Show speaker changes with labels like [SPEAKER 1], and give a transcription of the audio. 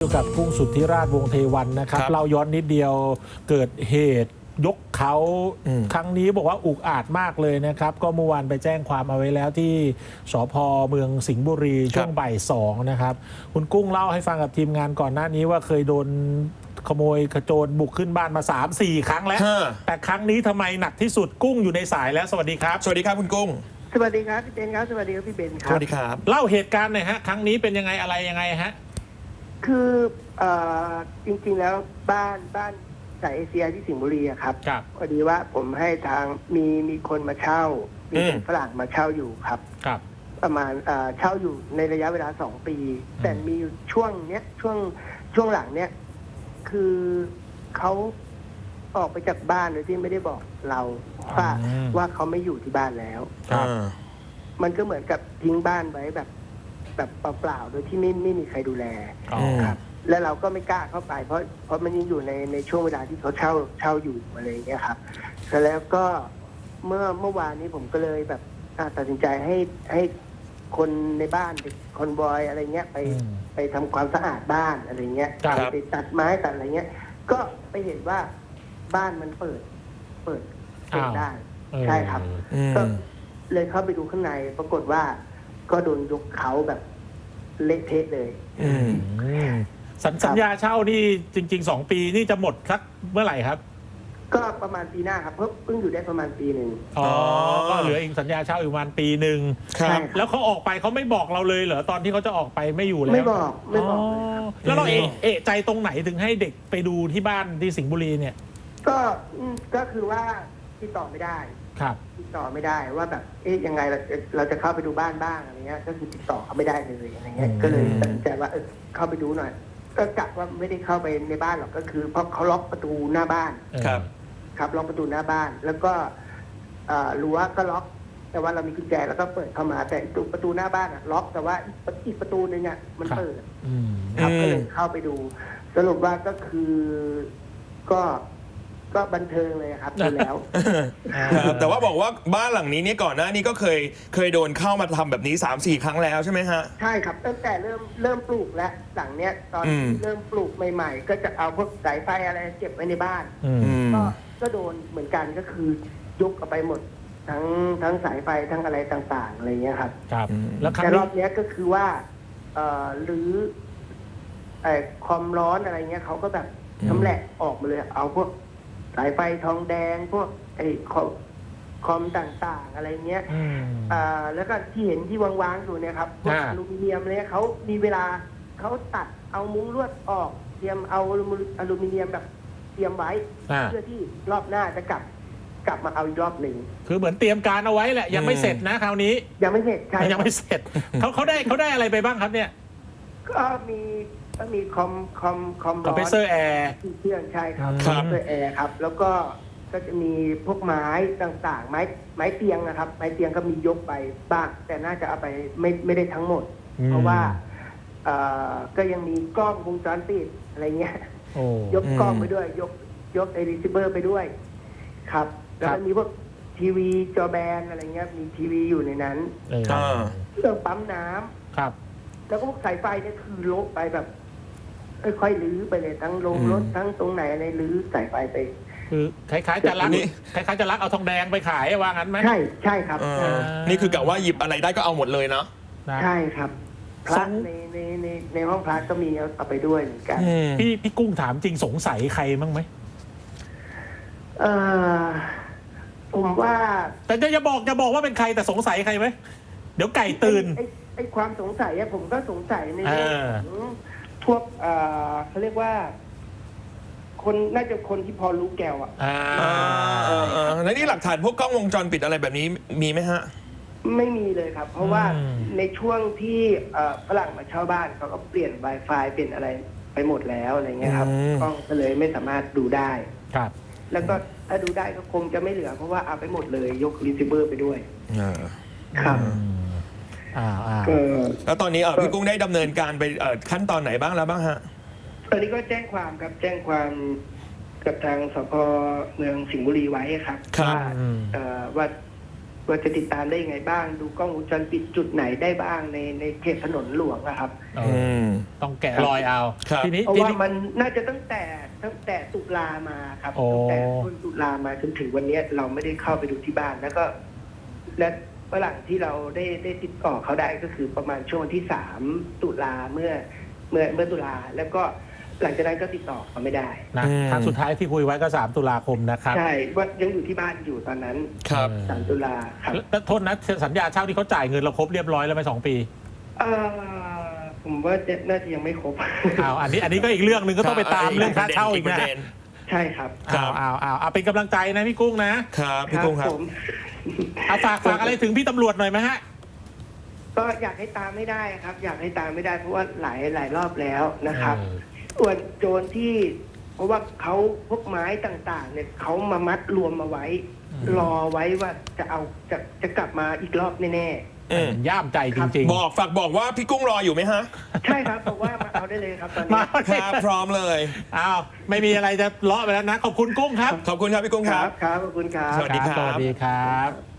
[SPEAKER 1] กับกุ้งสุทธิราชวงศ์เทวันนะครับเราย้อนนิดเดียวเกิดเหตุยกเขาครั้งนี้บอกว่าอุกอาจมากเลยนะครับก็เมื่อวานไปแจ้งความเอาไว้แล้วที่สภ.เมืองสิงห์บุรีช่วงบ่าย2นะครับคุณกุ้งเล่าให้ฟังกับทีมงานก่อนหน้านี้ว่าเคยโดนขโมยขโจรบุกขึ้นบ้านมา 3-4 ครั้งแล้วแต่ครั้งนี้ทำไมหนักที่สุดกุ้งอยู่ในสายแล้วสวัสดีครับ
[SPEAKER 2] สวัสดีครับคุณกุ้ง
[SPEAKER 3] สวัสดีครับพี่เบนครับสวัสดีครับพี่เบนครับ
[SPEAKER 2] สวัสดีครับ
[SPEAKER 1] เล่าเหตุการณ์หน่อยฮะครั้งนี้เป็นยังไงอะไรยังไงฮะ
[SPEAKER 3] คือจริงๆแล้วบ้านสายเอเชียที่สิงห์บุรีครับพอดีว่าผมให้ทางมีคนมาเช่ามีคนฝรั่งมาเช่าอยู่ครับประมาณเช่าอยู่ในระยะเวลา2 ปีแต่มีช่วงเนี้ยช่วงหลังเนี้ยคือเขาออกไปจากบ้านโดยที่ไม่ได้บอกเราว่าเขาไม่อยู่ที่บ้านแล้วมันก็เหมือนกับทิ้งบ้านไว้แบบเปล่าๆโดยที่ไม่มีใครดูแลครับแล้วเราก็ไม่กล้าเข้าไปเพราะมันยังอยู่ในช่วงเวลาที่เขาเช่าอยู่อะไรอย่างเงี้ยครับแล้วก็เมื่อวานนี้ผมก็เลยแบบตัดสินใจให้คนในบ้านคอนบอยอะไรเงี้ยไปทำความสะอาดบ้านอะไรเงี้ยไปตัดไม้ตัดอะไรเงี้ยก็ไปเห็นว่าบ้านมันเปิดได้ใช่ครับก็เลยเข้าไปดูข้างในปรากฏว่าก็โดนยกเขาแบบเละเทะเลย
[SPEAKER 1] สัญญาเช่านี่จริงๆ2 ปีนี่จะหมดสักเมื่อไหร่ครับ
[SPEAKER 3] ก็ประมาณปีหน้าครับเพิ่งอยู่ได้ประมาณปีหนึ่ง
[SPEAKER 1] ก็เหลืออีกสัญญาเช่าอีกประมาณปีหนึ่งครับแล้วเขาออกไปเขาไม่บอกเราเลยเหรอตอนที่เขาจะออกไปไม่อยู่แล้ว
[SPEAKER 3] ไม่บอก
[SPEAKER 1] แล้วเราเอะใจตรงไหนถึงให้เด็กไปดูที่บ้านที่สิงห์บุรีเนี่ย
[SPEAKER 3] ก็คือว่าติดต่อไม่ได้
[SPEAKER 1] ครับ
[SPEAKER 3] ติดต่อไม่ได้ว่าแบบยังไงเราจะเข้าไปดูบ้านบ้างอะไรเงี้ยก็คือติดต่อเขาไม่ได้เลยอะไรเงี้ยก็เลยตัดสินใจว่าเข้าไปดูหน่อยก็กะว่าไม่ได้เข้าไปในบ้านหรอกก็คือเพราะเขาล็อกประตูหน้าบ้านครับล็อกประตูหน้าบ้านแล้วก็รั้วก็ล็อกแต่ว่าเรามีกุญแจแล้วก็เปิดเข้ามาแต่ประตูหน้าบ้านล็อกแต่ว่าอีกประตูนึงมันเปิดครับก็เลยเข้าไปดูสรุปว่าก็คือก็บันเทิงเลยครับดูแล้ว
[SPEAKER 2] แต่ว่าบอกว่าบ้านหลังนี้เนี่ยก่อนหน้านี้ก็เคยโดนเข้ามาทำแบบนี้ 3-4 ครั้งแล้วใช่ไหมฮะ
[SPEAKER 3] ใช่ครับตั้งแต่เริ่มปลูกแล้วหลังเนี้ยตอนเริ่มปลูกใหม่ๆก็จะเอาพวกสายไฟอะไรเก็บไว้ในบ้านก็โดนเหมือนกันก็คือยกเอาไปหมดทั้งสายไฟทั้งอะไรต่างๆอะไรเงี้ยครับ
[SPEAKER 1] แล้ว
[SPEAKER 3] แต่รอบนี้ก็คือว่าหรือความร้อนอะไรเงี้ยเขาก็แบบชำแหละออกมาเลยเอาพวกสายไฟทองแดงพวกคอมต่างๆอะไรเงี้ยแล้วก็ที่เห็นที่วางๆอยู่เนี่ยครับพวกอลูมิเนียมเนี่ยเขามีเวลาเขาตัดเอามุ้งลวดออกเตรียมเอาอลูมิเนียมแบบเตรียมไว้เพื่อที่รอบหน้าจะกลับมาเอาอีกรอบหนึ่ง
[SPEAKER 1] คือเหมือนเตรียมการเอาไว้แหละยังไม่เสร็จนะคราวนี้
[SPEAKER 3] ยังไม่เสร็จใช่
[SPEAKER 1] ยังไม่เสร็จเขาได้อะไรไปบ้างครับเนี่ย
[SPEAKER 3] ก็มีคอม
[SPEAKER 1] คอมเพรสเซอร์แอร์
[SPEAKER 3] เครื่องใช่ครับคอมเพรสเซอร์แอร์ครับแล้วก็จะมีพวกไม้ต่างๆไม้เตียงนะครับไม้เตียงก็มียกไปบ้างแต่น่าจะเอาไปไม่ได้ทั้งหมดเพราะว่าก็ยังมีกล้องวงจรปิดอะไรเงี้ยยกกล้องไปด้วยยกรีเซิเวอร์ไปด้วยครับแล้วก็มีพวกทีวีจอแบนอะไรเงี้ยมีทีวีอยู่ในนั้นเครื่องปั๊มน้ำ
[SPEAKER 1] ครับ
[SPEAKER 3] แล้วก็พวกสายไฟเนี่ยคือลบไปแบบค่อยๆลื้อไปเลยทั้งลงรถทั้งตรงไหนอะไรลื้อสายไฟไป
[SPEAKER 1] คือคล้ายๆจะลักเอาทองแดงไปขายว่างั้นไหม
[SPEAKER 3] ใช่ครับ
[SPEAKER 2] นี่คือกะว่าหยิบอะไรได้ก็เอาหมดเลยเนาะ
[SPEAKER 3] ใช่ครับพระในห้องพระก็มีเอาไปด้วยเหมือนกัน
[SPEAKER 1] พี่กุ้งถามจริงสงสัยใครบ้างไหม
[SPEAKER 3] ผมว่า
[SPEAKER 1] แต่จะบอกว่าเป็นใครแต่สงสัยใครไหมเดี๋ยวไก่ตื่น
[SPEAKER 3] ไอ้ความสงสัยผมก็สงสัยในเรื่องของพวกเขาเรียกว่าคนน่าจะคนที่พอรู้แก้ว
[SPEAKER 2] แล้วนี่หลักฐานพวกกล้องวงจรปิดอะไรแบบนี้มีไหมฮะ
[SPEAKER 3] ไม่มีเลยครับเพราะว่าในช่วงที่ฝรั่งมาเช่าบ้านเขาก็เปลี่ยน Wi-Fi เปลี่ยนอะไรไปหมดแล้วอะไรเงี้ยครับกล้องก็เลยไม่สามารถดูได้
[SPEAKER 1] ครับ
[SPEAKER 3] แล้วก็ถ้าดูได้ก็คงจะไม่เหลือเพราะว่าเอาไปหมดเลยยกรีเซิเวอร์ไปด้วยครับ
[SPEAKER 2] แล้วตอนนี้พี่กุ้งได้ดำเนินการไปขั้นตอนไหนบ้างแล้วบ้างฮะ
[SPEAKER 3] ตอนนี้ก็แจ้งความครับแจ้งความกับทางสภ.เมืองสิงห์บุรีไว้ครับว่าว่าจะติดตามได้ยังไงบ้าง ดูกล้องวงจรปิดจุดไหนได้บ้างในเขตถนนหลวงอะครับ
[SPEAKER 1] ต้องแกะรอยเอา
[SPEAKER 2] ครับ
[SPEAKER 1] ทีนี้
[SPEAKER 3] เพราะว่ามันน่าจะตั้งแต่ตุลามาครับ
[SPEAKER 1] โอ้
[SPEAKER 3] ตั้งแต่ต้นตุลามาจนถึงวันนี้เราไม่ได้เข้าไปดูที่บ้านแล้วก็และฝรั่งที่เราได้ติดต่อเขาได้ก็คือประมาณช่วงวันที่3 ตุลาเมื่อตุลาแล้วก็หลังจากนั้นก็ติดต่อเขาไม่ได้
[SPEAKER 1] นะครั้งสุดท้ายที่คุยไว้ก็3 ตุลาคมนะครับ
[SPEAKER 3] ใช่ว่ายังอยู่ที่บ้านอยู่ตอนนั้น
[SPEAKER 2] ครับ
[SPEAKER 3] 3 ตุลาครับ
[SPEAKER 1] แล้วโทษนะสัญญาเช่าที่เขาจ่ายเงินเราครบเรียบร้อยแล้วไหม2 ปี
[SPEAKER 3] ผมว่าน่าจะยังไม่ครบ
[SPEAKER 1] อันนี้ก็อีกเรื่องหนึ่งก็ต้องไปตามเรื่องค่าเช่าอีกนะ
[SPEAKER 3] ใช่ครับ
[SPEAKER 2] ครับ
[SPEAKER 1] เอาเป็นกำลังใจนะพี่กุ้งนะครับ
[SPEAKER 2] พี่กุ้งครับ
[SPEAKER 3] ผม
[SPEAKER 1] เอาฝากอะไรถึงพี่ตำรวจหน่อยไหมฮะ
[SPEAKER 3] ก็อยากให้ตามไม่ได้ครับ อยากให้ตามไม่ได้เพราะว่าหลายรอบแล้วนะครับส่วนโจรที่เพราะว่าเขาพวกไม้ต่างๆเนี่ยเขามามัดรวมมาไว้ รอไว้ว่าจะกลับมาอีกรอบแน่
[SPEAKER 1] ย่ามใจจริงๆ
[SPEAKER 2] ฝากบอกว่าพี่กุ้งรออยู่ไหมฮะ
[SPEAKER 3] ๆ ใช่ครับบอกว่ามาเอาได้เลยครับตอน
[SPEAKER 1] มา
[SPEAKER 3] นี้
[SPEAKER 2] ครับพร้อมเลย
[SPEAKER 1] ไม่มีอะไรจะเลาะไปแล้วนะ ขอบคุณกุ้งครับ
[SPEAKER 2] ขอบคุณครับพี่กุ้ง
[SPEAKER 3] ค
[SPEAKER 2] ค
[SPEAKER 3] รั
[SPEAKER 2] รั
[SPEAKER 3] บบ ครับขอบคุณครับ
[SPEAKER 2] สวัสดีครับ
[SPEAKER 1] สวัสดีครับ